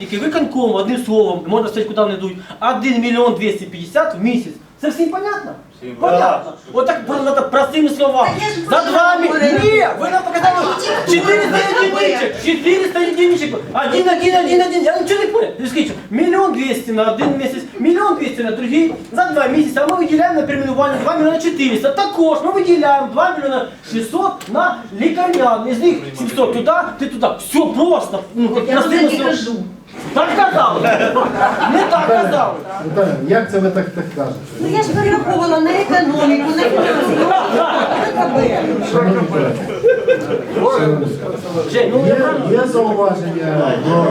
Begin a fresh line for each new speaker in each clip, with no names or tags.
Тільки виконком, одним словом, можна сказати, куди вони йдуть, 1 мільйон 250 в місяць. Це всім понятно? Понятно. Вот так простыми словами. За 2 миллиона. Нет, вы нам показали 400 единичек. 400 единичек. Один. Я ничего не понял. Скажите, 1 200 000 на один месяц, 1 200 000 на другий, за 2 месяца. А мы выделяем на переименування 2 400 000. Також мы выделяем 2 600 000 на лікарнян. Из них 700 туда, ты туда. Все просто.
Я тут не кажу.
Так казали. Не так казали.
Наталя, як це ви так кажете?
Ну я ж перераховувала на економіку, на фінансову, на КБ.
Шановні колеги,
Жень, ну я правильно.
є зауваження до...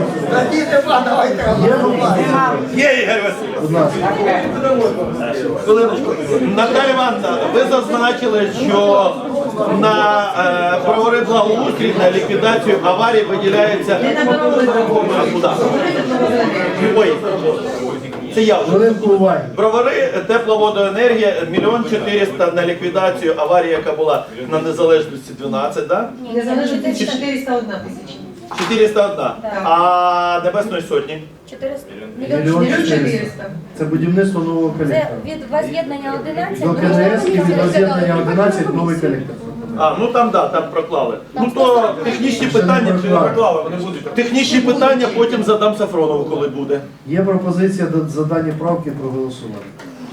Є, Ігор Васильович.
Будь ласка.
Хвилиночку. Наталя Івановна, ви зазначили, що на правовий благоустрій, на ліквідацію аварії виділяється... А куди? Ой, це я вже.
Хвилинку уваги.
Бровари, тепловодоенергія, 1 400 000 на ліквідацію аварії, яка була на Незалежності 12, да?
Незалежності 401 тисяча.
401. А Небесної Сотні?
400.
Мільйон 400. Це будівництво нового
Це
колектора.
від воз'єднання 11
До КНС і від роз'єднання 11 новий колектор.
А, ну там, да, там проклали. Ну то технічні питання, технічні питання потім задам Сафронову, коли буде.
Є пропозиція за дані правки проголосувати.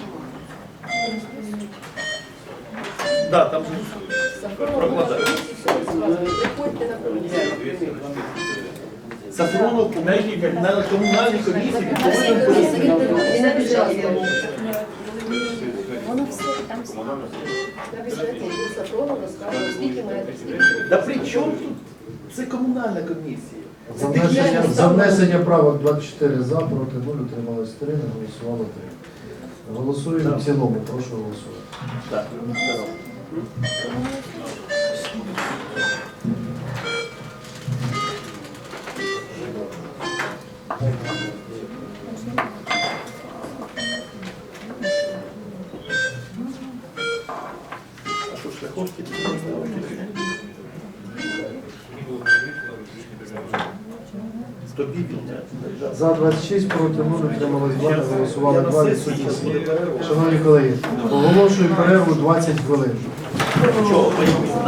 Да, там прокладаю. Сафронов на комунальній комісії повинен пояснити.
І на бюджеті.
Воно все там.
Да при чому тут? Це комунальна комісія.
За внесення правок 24 за, проти 0, утрималось 3, не голосувало 3. Голосуємо в цілому, прошу голосувати.
Так. А що, шляховки? Тобі підняти.
За 26, проти 0, утрималось 2, не голосувало 2, відсутні 7. Шановні колеги, оголошую перерву 20 хвилин.
Чого?